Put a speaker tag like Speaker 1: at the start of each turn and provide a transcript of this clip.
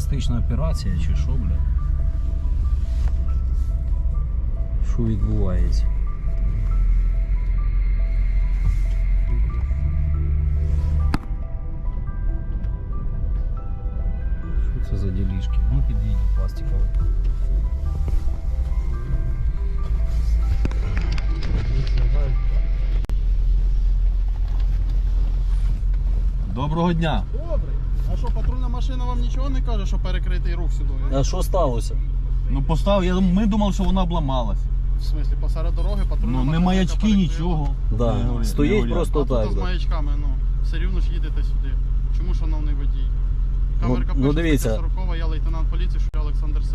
Speaker 1: терористична операція чи що, бля? Що відбувається? Що це за ділішки? Ну підійдіть пластикові.
Speaker 2: Доброго дня.
Speaker 3: Добре. А що, патрульна машина вам нічого не каже, що перекритий рух сюди?
Speaker 1: А що сталося?
Speaker 2: Ну поставив, ми думали, що вона обламалась.
Speaker 3: В смислі, посеред дороги патрульна
Speaker 2: Ну
Speaker 3: машина.
Speaker 2: не маячки,
Speaker 3: яка перекрила.
Speaker 2: нічого.
Speaker 1: Да.
Speaker 2: Не горять,
Speaker 1: Стоїть
Speaker 2: не горять.
Speaker 1: просто
Speaker 3: А
Speaker 1: так.
Speaker 3: тут з
Speaker 1: Да.
Speaker 3: маячками, ну. Все рівно ж їдете сюди. Чому, шановний водій? Камерка
Speaker 1: ну,
Speaker 3: пише,
Speaker 1: дивіться.
Speaker 3: стаття 40, я лейтенант поліції, що я Олександр